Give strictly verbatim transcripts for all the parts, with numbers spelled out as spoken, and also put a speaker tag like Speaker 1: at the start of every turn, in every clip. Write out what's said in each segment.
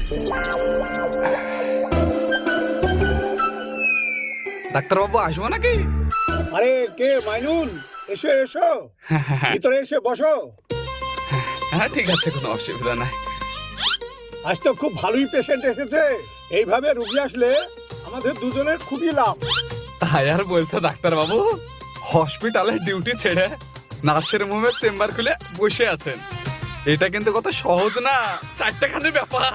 Speaker 1: ডাক্তারবাবু আসবো নাকি?
Speaker 2: আরে কে মাইনুল, এসো এসো, ভিতরে এসে বসো।
Speaker 1: হ্যাঁ ঠিক আছে, কোনো অসুবিধা নাই।
Speaker 2: আজ তো খুব ভালোই পেশেন্ট এসেছে। এইভাবে রুগী আসলে আমাদের দুজনের খুবই লাভ।
Speaker 1: তাই আর বলতে ডাক্তারবাবু, হসপিটালে ডিউটি ছেড়ে নার্সের মুভে চেম্বার খুলে বসে আছেন, এটা কিন্তু কত সহজ না, চারটেখানি ব্যাপার।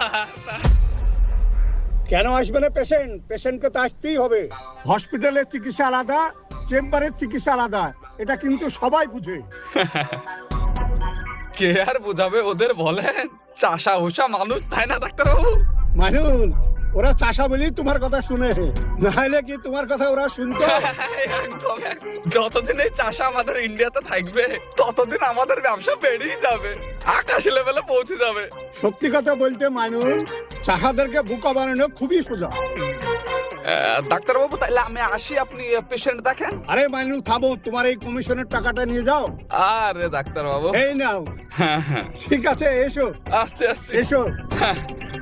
Speaker 2: কেন আসবে না পেশেন্ট? পেশেন্টকে তো আসতেই হবে। হসপিটালের চিকিৎসা আলাদা, চেম্বারের চিকিৎসা আলাদা, এটা কিন্তু সবাই বুঝে।
Speaker 1: কে আর বোঝাবে ওদের বলেন, চাষা হুসা মানুষ, তাই না ডাক্তারবাবু?
Speaker 2: মাইনুল, ওরা চাষা বলি তোমার কথা শুনে, নাহলে কি তোমার কথা ওরা শুনতো?
Speaker 1: একদম, যতদিন এই চাষা আমাদের ইন্ডিয়াতে থাকবে ততদিন আমাদের ব্যবসা বেড়েই যাবে, আকাশ লেভেলে পৌঁছে যাবে।
Speaker 2: সত্যি কথা বলতে মাইনুল, চাষাদেরকে বোকা বানানো খুবই সোজা।
Speaker 1: ডাক্তারবাবু তাহলে আমি আসি, আপনি পেশেন্ট দেখেন।
Speaker 2: আরে মাইনুল থামো, তোমার এই কমিশনের টাকাটা নিয়ে যাও।
Speaker 1: আরে ডাক্তারবাবু,
Speaker 2: এই নাও।
Speaker 1: হ্যাঁ হ্যাঁ
Speaker 2: ঠিক আছে, এসো
Speaker 1: আসছে আসছে
Speaker 2: এসো।
Speaker 1: হ্যাঁ।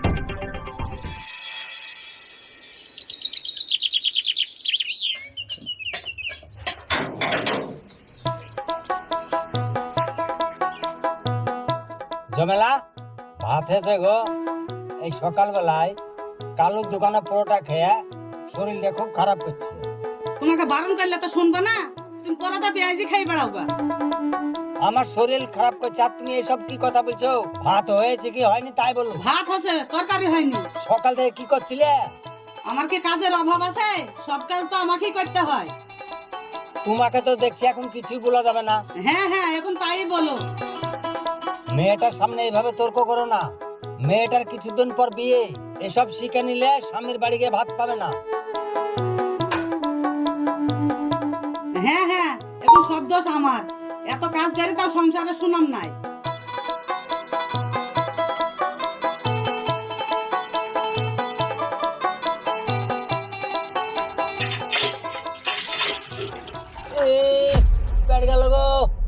Speaker 3: জমেলা ভাত হয়েছে গো। এই সকালবেলায় কালুর দোকানে পরোটা খেয়ে শরীরটা খুব খারাপ করছে।
Speaker 4: তোমাকে বারণ করলে তো শুনবা না, তুমি পরোটা পেঁয়াজি খাই বেড়াও গা।
Speaker 3: আমার শরীর খারাপ করছে আর তুমি এসব কি কথা বলছো? ভাত হয়েছে কি হয়নি তাই বলো।
Speaker 4: ভাত আছে, তরকারি হয়নি।
Speaker 3: সকাল থেকে কি করছিলে?
Speaker 4: আমার কি কাজের অভাব আছে? সব কাজ তো আমাকেই করতে হয়।
Speaker 3: তোমাকে তো দেখছি এখন কিছুই বলা যাবে না।
Speaker 4: হ্যাঁ হ্যাঁ, এখন তাই বলো।
Speaker 3: মেয়েটার সামনে এইভাবে তর্ক করো না। মেয়েটার কিছুদিন পর বিয়ে, এসব শিখে নিলে স্বামীর বাড়ি গিয়ে ভাত পাবে না।
Speaker 4: হ্যাঁ হ্যাঁ, এখন সব দোষ আমার। এত কাজ করে তাও সংসারে সুনাম নাই।
Speaker 3: এ, পেট গেল গো,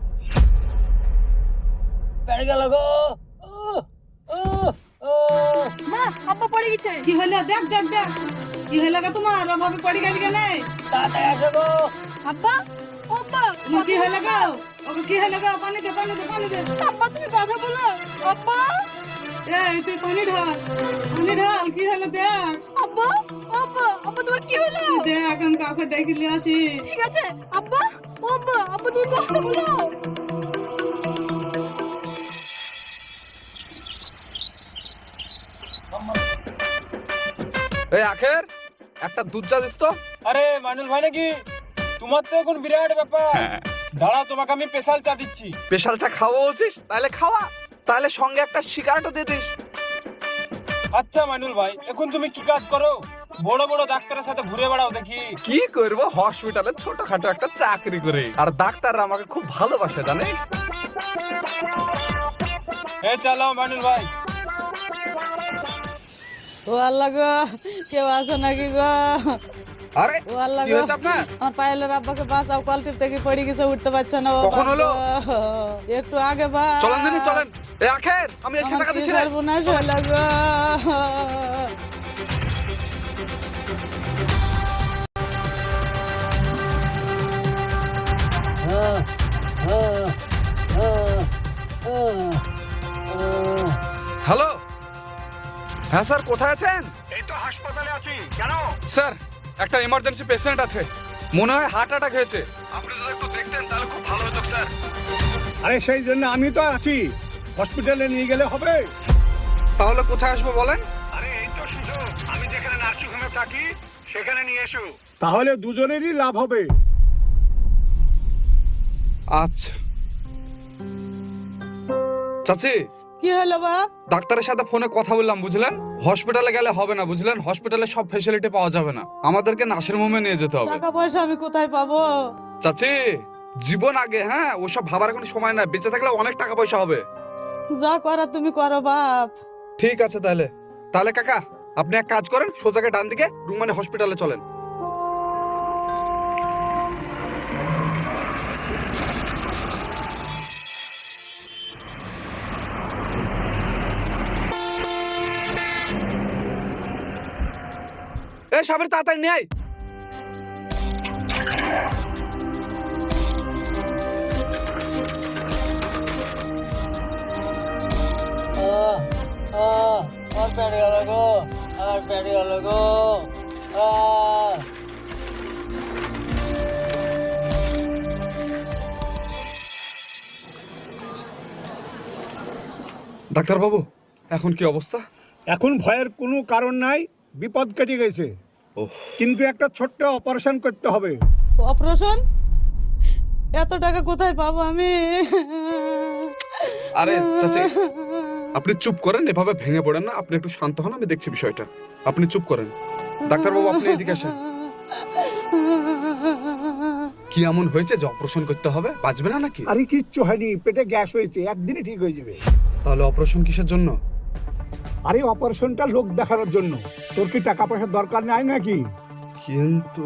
Speaker 3: পেট গেল গো। উহ, উহ, উহ।
Speaker 5: মা, আব্বা পড়ে গেছে।
Speaker 4: কি হলো? দেখ দেখ দেখ, কি হলো গা তোমার? অভাবে পড়ে গেলি কেন?
Speaker 3: তাড়াতাড়ি আসো গো।
Speaker 5: আব্বা, ও আব্বা,
Speaker 4: তোমার কি হলো গো? ওকে কি হলো গো? পানি দে, পানি দে, পানি দে।
Speaker 5: আব্বা তুমি কথা বলো। আব্বা,
Speaker 4: এই তুই পানি ঢাল, পানি ঢাল। কি হলো দেখ।
Speaker 5: আব্বা, ও আব্বা, আব্বা তোমার কি হলো?
Speaker 4: তুই দেখ, এখন কাউকে ডেকে নিয়ে আসি।
Speaker 5: ঠিক আছে আব্বা, ও আব্বা, আব্বা তুমি কথা বলো।
Speaker 1: এই আখের একটা দুধ চা দিস তো।
Speaker 6: আরে মাইনুল ভাই নাকি? তোমার তো এখন বিরাট ব্যাপার। দাঁড়া, তোমাকে আমি স্পেশাল চা দিচ্ছি।
Speaker 1: স্পেশাল চা খাওয়া বলছিস? তাহলে খাওয়া, তাহলে সঙ্গে একটা সিগারেটও দিয়ে দিস।
Speaker 6: আচ্ছা মাইনুল ভাই, এখন তুমি কি কাজ করো? বড় বড় ডাক্তারের সাথে ঘুরে বেড়াও দেখি।
Speaker 1: কি করবো, হসপিটালে ছোটখাটো একটা চাকরি করে, আর ডাক্তাররা আমাকে খুব ভালোবাসে জানিস।
Speaker 6: এ চালাও মাইনুল ভাই।
Speaker 4: ও আল্লাহ গো, কেউ আসো নাকি গো?
Speaker 1: আরে
Speaker 4: ও আল্লাহ
Speaker 1: কি
Speaker 4: গো,
Speaker 1: হয়েছে আপনার?
Speaker 4: আমার পায়েলের আব্বাকে বাঁচাও, কলটিপ থেকে পড়ে গেছে, উঠতে পারছে না। ও
Speaker 1: কখন হলো?
Speaker 4: একটু আগে বা
Speaker 1: চলেন দিনি চলেন। এ আখের, আমি এসে টাকা দিচ্ছি রে।
Speaker 4: না শোলা গো।
Speaker 3: আহ, আহ, আহ, আহ, আহ।
Speaker 1: হ্যালো, হ্যাঁ স্যার, কোথায় আছেন?
Speaker 2: এই তো হাসপাতালে আছি। কেন?
Speaker 1: স্যার, একটা ইমার্জেন্সি পেশেন্ট আছে, মনে হয় হার্ট অ্যাটাক হয়েছে। আপনি যদি একটু দেখতেন তাহলে খুব ভালো হতো স্যার।
Speaker 2: আরে সেই জন্য আমি তো আছি, হসপিটালে নিয়ে গেলে হবে।
Speaker 1: তাহলে কোথায় আসবো বলেন?
Speaker 2: আরে এই তো সুযোগ, আমি যেখানে নার্সিং হোমে থাকি সেখানে নিয়ে এসো। তাহলে দুজনেরই লাভ হবে।
Speaker 1: আচ্ছা চাচি,
Speaker 4: কি হলো বাপ?
Speaker 1: ডাক্তারের সাথে ফোনে কথা বললাম বুঝলেন। হসপিটালে গেলে হবে না বুঝলেন, হসপিটালে সব ফ্যাসিলিটি পাওয়া যাবে না, আমাদেরকে নার্সিং হোমে নিয়ে যেতে হবে।
Speaker 4: টাকা পয়সা আমি কোথায় পাবো?
Speaker 1: চাচি, জীবন আগে, হ্যাঁ ওসব ভাবার কোনো সময় না, বেঁচে থাকলে অনেক টাকা পয়সা হবে।
Speaker 4: যা করা তুমি করো বাপ।
Speaker 1: ঠিক আছে তাহলে। তাহলে কাকা আপনি এক কাজ করেন, সোজাকে ডান দিকে রুমানি হসপিটালে চলেন। এই সাবির তাড়াতাড়ি নিয়ে আয়।
Speaker 3: আহ, আহ, আমার পেটে গেল গো, আমার পেটে গেল গো। আহ।
Speaker 1: ডাক্তার বাবু এখন কি অবস্থা?
Speaker 2: এখন ভয়ের কোনো কারণ নাই, বিপদ কেটে গেছে।
Speaker 1: ওহ,
Speaker 2: কিন্তু একটা ছোট্ট অপারেশন করতে হবে।
Speaker 4: অপারেশন? এত টাকা কোথায় পাবো আমি?
Speaker 1: আরে চাচি আপনি চুপ করেন, এভাবে ভেঙে পড়েন না। আপনি একটু শান্ত হন, আমি দেখছি বিষয়টা। আপনি চুপ করেন। ডাক্তার বাবু আপনি এদিকে আসেন। কি এমন হয়েছে যে অপারেশন করতে হবে? বাঁচবে না নাকি?
Speaker 2: আরে কিচ্ছু হয়নি, পেটে গ্যাস হয়েছে, একদিনে ঠিক হয়ে যাবে।
Speaker 1: তাহলে অপারেশন কিসের জন্য?
Speaker 2: আরে অপারেশনটা লোক দেখানোর জন্য। তোর কি টাকা পয়সার দরকার নাই নাকি?
Speaker 1: কিন্তু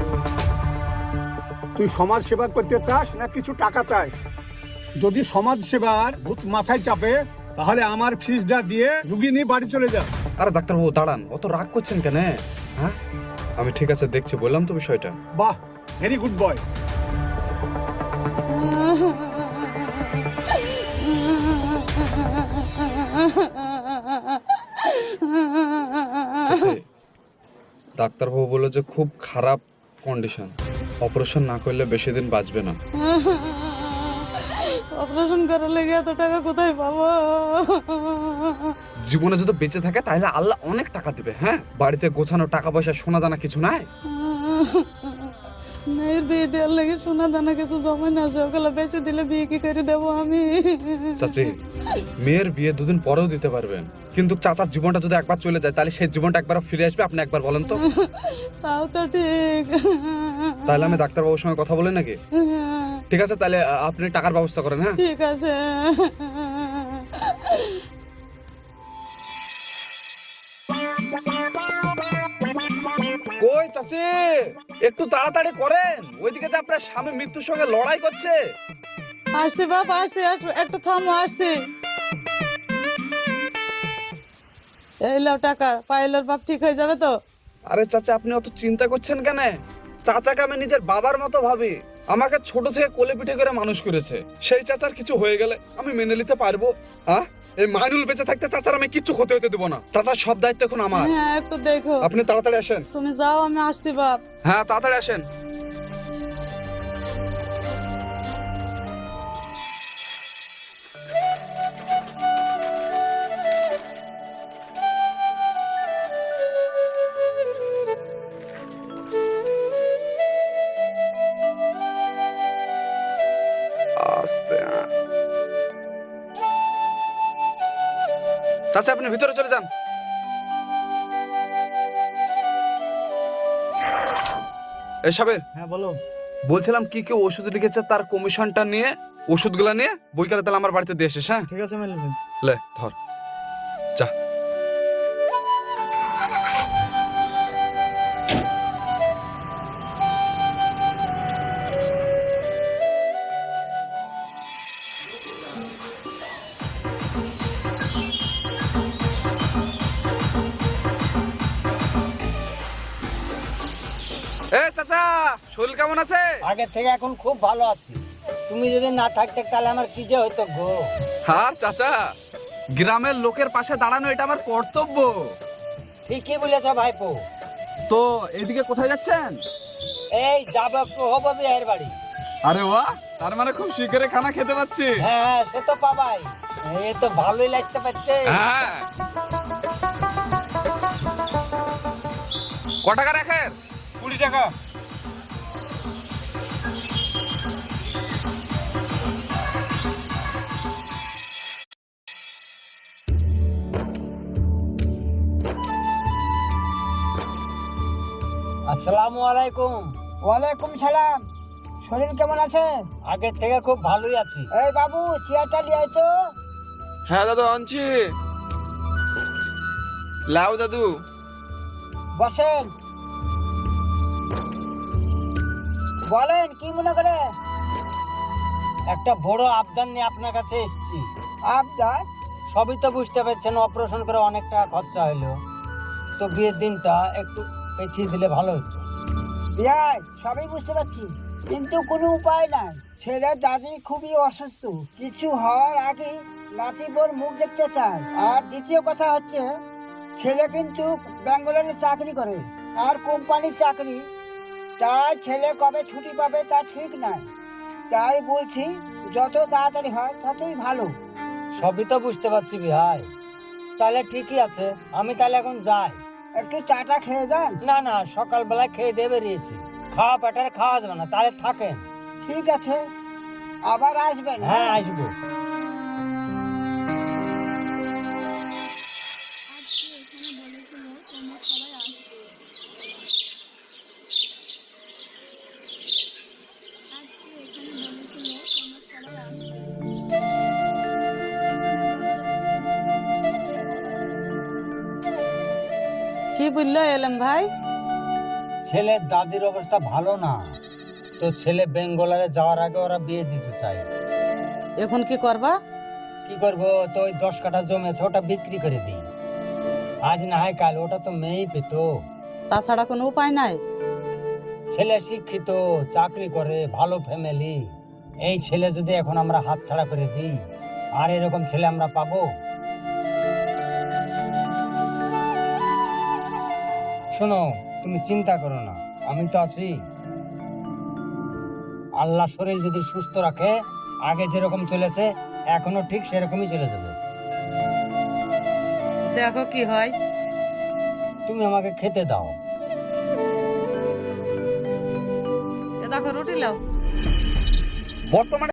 Speaker 2: তুই সমাজ সেবা করতে চাস না কিছু টাকা চাস? যদি সমাজ সেবার ভূত মাথায় চাপে তাহলে আমার ফিসটা দিয়ে রুগী নিয়ে বাড়ি চলে যা।
Speaker 1: আরে ডাক্তার বাবু দাঁড়ান, অত রাগ করছেন কেন? হ্যাঁ আমি ঠিক আছে দেখছি, বললাম তো বিষয়টা।
Speaker 2: বাহ, ভেরি গুড বয়।
Speaker 1: ডাক্তার বাবু বললো যে খুব খারাপ কন্ডিশন, অপারেশন না করলে বেশি দিন বাঁচবে না।
Speaker 4: অপারেশন করার লেগে এত টাকা কোথায় পাবো?
Speaker 1: জীবনে যদি বেঁচে থাকে তাহলে আল্লাহ অনেক টাকা দিবে। হ্যাঁ, বাড়িতে গোছানো টাকা পয়সা সোনা দানা কিছু নাই?
Speaker 4: মেয়ের বিয়ে দেওয়ার লেগে সোনা দানা কিছু জমানো আছে, ওগুলো বেঁচে দিলে বিয়ে কি করে দেবো আমি?
Speaker 1: চাচি মেয়ের বিয়ে দুদিন পরেও দিতে পারবেন, কিন্তু চাচার জীবনটা যদি একবার চলে যায় তাহলে সেই জীবনটা একবার ফিরে আসবে? আপনি একবার বলেন তো।
Speaker 4: তাও তো ঠিক।
Speaker 1: তাহলে আমি ডাক্তার বাবুর সঙ্গে কথা বলি নাকি? ঠিক আছে, তাহলে আ, আপনি টাকার ব্যবস্থা করেন। হ্যাঁ
Speaker 4: ঠিক আছে।
Speaker 1: কই চাচি, একটু তাড়াতাড়ি করেন, ওইদিকে যে আপনার স্বামী মৃত্যুর সঙ্গে লড়াই করছে।
Speaker 4: আসছি বাপ, আসছি, একটু একটু থামো, আসছি। এই লাও টাকা, পাইলের বাপ ঠিক হয়ে যাবে তো?
Speaker 1: আরে চাচা আপনি অত চিন্তা করছেন কেন? চাচাকে আমি নিজের বাবার মতো ভাবি, আমাকে ছোট থেকে কোলে পিঠে করে মানুষ করেছে। সেই চাচার কিছু হয়ে গেলে আমি মেনে নিতে পারবো? হ্যাঁ, এই মাইনুল বেঁচে থাকতে চাচার আমি কিচ্ছু হতে হতে দেবো না। চাচার সব দায়িত্ব এখন আমার।
Speaker 4: হ্যাঁ একটু দেখো।
Speaker 1: আপনি তাড়াতাড়ি আসেন।
Speaker 4: তুমি যাও, আমি আসছি বাপ।
Speaker 1: হ্যাঁ তাড়াতাড়ি আসেন। আস্তে। চাচা আপনি ভিতরে চলে যান। এই সাবের,
Speaker 2: হ্যাঁ বলো।
Speaker 1: বলছিলাম কি কি ওষুধ লিখেছে তার কমিশনটা নিয়ে, ওষুধগুলা নিয়ে বইকালে তাহলে আমার বাড়িতে দিয়ে এসিস। হ্যাঁ
Speaker 2: ঠিক আছে মেলে।
Speaker 1: লে ধর, যা। এ চাচা, শরীর কেমন আছে?
Speaker 3: আগের থেকে এখন খুব ভালো আছি। তুমি যদি না থাকতে তাহলে আমার কি যে হইতো গো।
Speaker 1: হ্যাঁ চাচা, গ্রামের লোকের পাশে দাঁড়ানো এটা আমার কর্তব্য।
Speaker 3: ঠিকই বলেছ ভাইপো।
Speaker 1: তো এইদিকে কোথায় যাচ্ছেন?
Speaker 3: এই যাবো একটু হবো বিয়ের বাড়ি।
Speaker 1: আরে বাহ, তার মানে খুব শিকারে খানা খেতে পাচ্ছি।
Speaker 3: হ্যাঁ হ্যাঁ, সে তো পাবাই। এই তো ভালোই লাগতে পারছে।
Speaker 1: হ্যাঁ, ক টাকা রাখেন?
Speaker 6: কুড়ি টাকা।
Speaker 3: আসসালামু আলাইকুম।
Speaker 7: ওয়ালাইকুম সালাম। শরীর কেমন আছে?
Speaker 3: আগের থেকে খুব ভালোই আছি।
Speaker 7: এই বাবু, চেয়ারটা নিয়ে আয় তো।
Speaker 6: হ্যাঁ দাদু আনছি। লাও দাদু।
Speaker 7: বসেন। বলেন কি মনে করে?
Speaker 3: একটা বড় আবদার নিয়ে আপনার কাছে এসেছি।
Speaker 7: আবদার?
Speaker 3: সবই তো বুঝতে পারছেন, অপারেশন করে অনেক টাকা খরচা হইলো। তো বিয়ের দিনটা একটু পেছিয়ে দিলে ভালো হতো।
Speaker 7: বিহাই সবই বুঝতে পারছি, কিন্তু কোনো উপায় নাই। ছেলের দাদি খুবই অসুস্থ, কিছু হওয়ার আগে নাচিবর মুখ দেখতে চায়। আর দ্বিতীয় কথা হচ্ছে, ছেলে কিন্তু ব্যাঙ্গালোরে চাকরি করে, আর কোম্পানির চাকরি। তাই ছেলে কবে ছুটি পাবে তা ঠিক নাই। তাই বলছি যত তাড়াতাড়ি হয় ততই ভালো।
Speaker 3: সবই তো বুঝতে পারছি ভাই, তাহলে ঠিকই আছে, আমি তাহলে এখন যাই।
Speaker 7: একটু চাটা খেয়ে যান।
Speaker 3: না না, সকালবেলা খেয়ে দিয়ে বেরিয়েছি, খাওয়া পেটার খাওয়া যাবে না, তাহলে থাকেন।
Speaker 7: ঠিক আছে, আবার আসবেন।
Speaker 3: হ্যাঁ আসবো।
Speaker 4: কি বললো এলম ভাই?
Speaker 3: ছেলের দাদির অবস্থা ভালো না, তো ছেলে বেঙ্গলারে যাওয়ার আগে ওরা বিয়ে দিতে চায়।
Speaker 4: এখন কি করবা?
Speaker 3: কি করবো, তো ওই দশ কাঠা জমি আছে ওটা বিক্রি করে দিই, আজ না হয় কাল ওটা তো মেয়েই পেতো।
Speaker 4: তাছাড়া কোনো উপায় নাই?
Speaker 3: ছেলে শিক্ষিত, চাকরি করে, ভালো ফ্যামিলি। এই ছেলে যদি এখন আমরা হাতছাড়া করে দিই, আর এরকম ছেলে আমরা পাবো? শোনো, তুমি চিন্তা করো না, আমি তো আছি। আল্লাহ শরীর যদি সুস্থ রাখে, আগে যেরকম চলেছে এখনো ঠিক সেরকমই চলে যাবে।
Speaker 4: দেখো কি হয়।
Speaker 3: তুমি আমাকে খেতে দাও।
Speaker 4: এ দেখো রুটি লাও।
Speaker 1: বর্তমানে